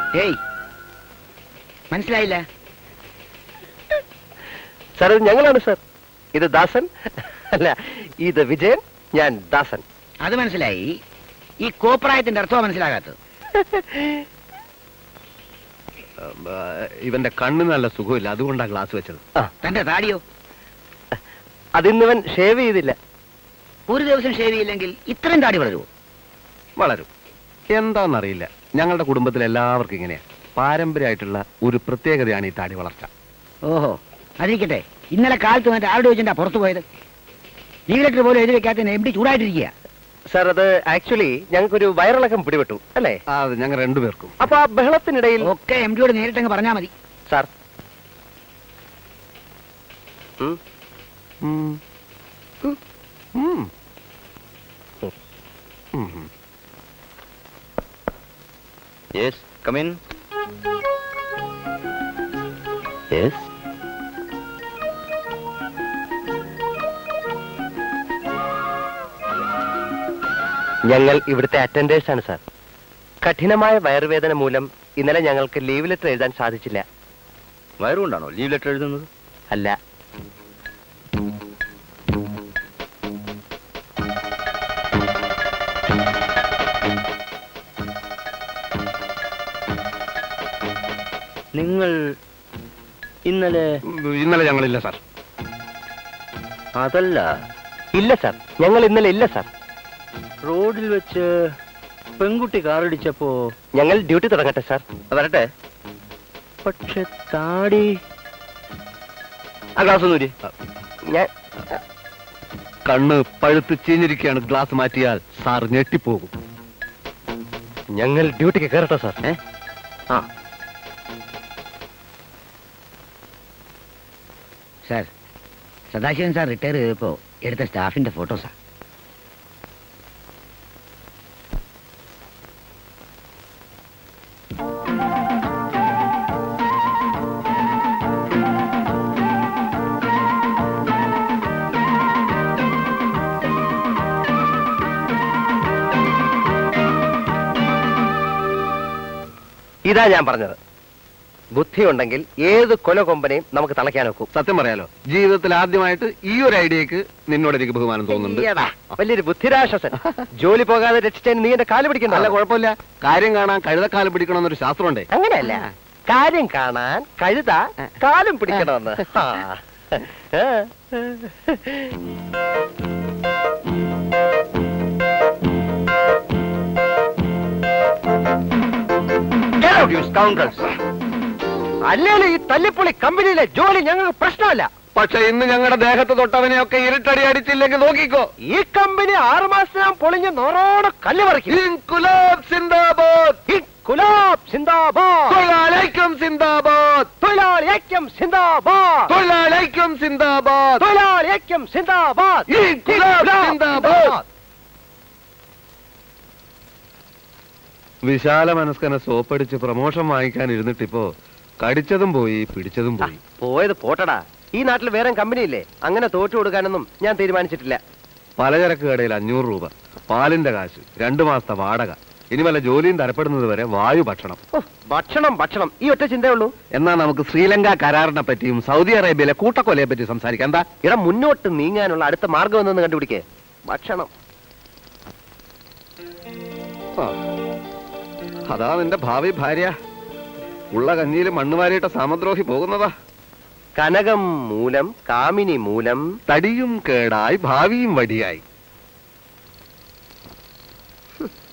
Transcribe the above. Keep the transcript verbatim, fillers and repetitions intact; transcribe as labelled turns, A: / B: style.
A: ഏയ് മനസ്സിലായില്ല
B: സാർ ഇത് ഞങ്ങളാണ് സാർ. ഇത് ദാസൻ അല്ല, ഇത് വിജയൻ, ഞാൻ ദാസൻ.
A: അത് മനസ്സിലായി. ഈ കോപ്രായത്തിന്റെ അർത്ഥമോ മനസ്സിലാകാത്തത്?
C: ഇവന്റെ കണ്ണ് നല്ല സുഖമില്ല, അതുകൊണ്ടാണ് ഗ്ലാസ് വെച്ചത്.
A: തന്റെ താടിയോ?
B: അതിന്നിവൻ ഷേവ് ചെയ്തില്ല.
A: ഒരു ദിവസം ഷേവ് ചെയ്യില്ലെങ്കിൽ ഇത്രയും താടി വളരുമോ?
C: വളരും. എന്താണെന്നറിയില്ല, ഞങ്ങളുടെ കുടുംബത്തിൽ എല്ലാവർക്കും ഇങ്ങനെയാ. പാരമ്പര്യമായിട്ടുള്ള ഒരു പ്രത്യേകതയാണ് ഈ താടി വളർച്ച.
A: ഓഹോ, അതിരിക്കട്ടെ. ഇന്നലെ കാലത്ത് വന്നിട്ട് ആരുടെ വെച്ചിട്ടാ പുറത്തു പോയത്? ലീവ് ലെറ്റർ പോലും എഴുതി വെക്കാത്ത എം ഡി ചൂടായിട്ടിരിക്കുക.
B: സാർ, അത് ആക്ച്വലി ഞങ്ങൾക്കൊരു വയറിളക്കം പിടിപെട്ടു അല്ലേ?
C: അത് ഞങ്ങൾ രണ്ടുപേർക്കും.
B: അപ്പൊ ആ ബഹളത്തിനിടയിൽ
A: ഒക്കെ എം ഡിയോട് നേരിട്ടങ്ങ് പറഞ്ഞാൽ മതി.
B: Sir,
D: Yes, come in.
B: yes. ഞങ്ങൾ ഇവിടുത്തെ അറ്റൻഡേഴ്സ് ആണ് സാർ. കഠിനമായ വയറുവേദന മൂലം ഇന്നലെ ഞങ്ങൾക്ക് ലീവ് ലെറ്റർ എഴുതാൻ സാധിച്ചില്ല.
D: വയറുകൊണ്ടാണോ ലീവ് ലെറ്റർ എഴുതുന്നത്?
B: അല്ല,
D: നിങ്ങൾ ഇന്നലെ
C: ഇന്നലെ ഞങ്ങളില്ല സാർ.
D: അതല്ല,
B: ഇല്ല സാർ, ഞങ്ങൾ ഇന്നലെ ഇല്ല സാർ.
D: റോഡിൽ വെച്ച് പെൺകുട്ടി കാറടിച്ചപ്പോ
B: ഞങ്ങൾ ഡ്യൂട്ടി തുടങ്ങട്ടെ സാർ.
D: വരട്ടെ. പക്ഷെ താടി
B: ആ ഗ്ലാസ് നൂരി. ഞാൻ
C: കണ്ണ് പഴുത്ത് ചീഞ്ഞിരിക്കുകയാണ്. ഗ്ലാസ് മാറ്റിയാൽ സാർ ഞെട്ടിപ്പോകും.
B: ഞങ്ങൾ ഡ്യൂട്ടിക്ക് കയറട്ടെ സാർ.
D: ഏ ആ
A: സാർ, സദാശിവൻ സാർ റിട്ടയർ ചെയ്തപ്പോ എടുത്ത സ്റ്റാഫിന്റെ ഫോട്ടോസാ.
B: ഇതാ ഞാൻ പറഞ്ഞത്. ബുദ്ധിയുണ്ടെങ്കിൽ ഏത് കൊലകൊമ്പനെയും നമുക്ക് തളയ്ക്കാൻ നോക്കും.
C: സത്യം പറയാലോ, ജീവിതത്തിൽ ആദ്യമായിട്ട് ഈ ഒരു ഐഡിയക്ക് നിന്നോട് എനിക്ക് ബഹുമാനം തോന്നുന്നുണ്ട്.
B: ഈയെടാ, വലിയൊരു ബുദ്ധിരാശ്വസൻ. ജോലി പോകാതെ രക്ഷിച്ചതിന് നീ എന്റെ കാല് പിടിക്കണ്ട.
C: അല്ല, കുഴപ്പമില്ല. കാര്യം കാണാൻ കഴുതക്കാലം പിടിക്കണമെന്നൊരു ശാസ്ത്രമുണ്ടേ.
B: അങ്ങനെയല്ല, കാര്യം കാണാൻ കഴുത കാലും പിടിക്കണമെന്ന്. ആ. ആ. അല്ലേലും ഈ തല്ലിപ്പൊളി കമ്പനിയിലെ ജോലി ഞങ്ങൾക്ക് പ്രശ്നമല്ല.
C: പക്ഷെ ഇന്ന് ഞങ്ങളുടെ ദേഹത്ത് തൊട്ടവനെയൊക്കെ ഇരുട്ടടി അടിച്ചില്ലെങ്കിൽ നോക്കിക്കോ.
B: ഈ കമ്പനി ആറു മാസം പൊളിഞ്ഞ് നോറോട് കല്ല് പറിക്കും.
C: ഇൻകുലാബ് സിന്ദാബാദ്,
B: ഇൻകുലാബ് സിന്ദാബാദ്,
C: തൊഴിലാളിക്കും സിന്ദാബാദ്,
B: തൊഴിലാളി ഐക്യം സിന്ദാബാദ്,
C: തൊഴിലാളിക്കും സിന്ദാബാദ്,
B: തൊഴിലാളി ഐക്യം സിന്ദാബാദ്,
C: ഇൻകുലാബ് സിന്ദാബാദ്. വിശാല മനസ്കനെ സോപ്പടിച്ച് പ്രമോഷൻ വാങ്ങിക്കാൻ ഇരുന്നിട്ടിപ്പോ കടിച്ചതും പോയി പിടിച്ചതും പോയി.
B: പോയത് പോട്ടടാ. ഈ നാട്ടിൽ വേറെ കമ്പനിയില്ലേ? അങ്ങനെ തോറ്റു കൊടുക്കാനൊന്നും ഞാൻ തീരുമാനിച്ചിട്ടില്ല.
C: പലചരക്ക് കടയിൽ അഞ്ഞൂറ് രൂപ, പാലിന്റെ കാശ്, രണ്ടു മാസത്തെ വാടക, ഇനി വല്ല ജോലിയും തരപ്പെടുന്നത് വരെ വായു ഭക്ഷണം.
B: ഭക്ഷണം ഭക്ഷണം ഈ ഒറ്റ ചിന്തയേ ഉള്ളൂ.
C: എന്നാ നമുക്ക് ശ്രീലങ്ക കരാറിനെ പറ്റിയും സൗദി അറേബ്യയിലെ കൂട്ടക്കൊലയെ പറ്റി സംസാരിക്കാം. എന്താ?
B: ഇട മുന്നോട്ട് നീങ്ങാനുള്ള അടുത്ത മാർഗം എന്തെന്ന് കണ്ടുപിടിക്കേ. ഭക്ഷണം.
C: അതാ നിന്റെ ഭാവി ഭാര്യ. ഉള്ള കഞ്ഞിയിൽ മണ്ണുവാരിയിട്ട സാമദ്രോഹി പോകുന്നതാ.
B: കനകം മൂലം കാമിനി മൂലം
C: തടിയും കേടായി ഭാവിയും വടിയായി.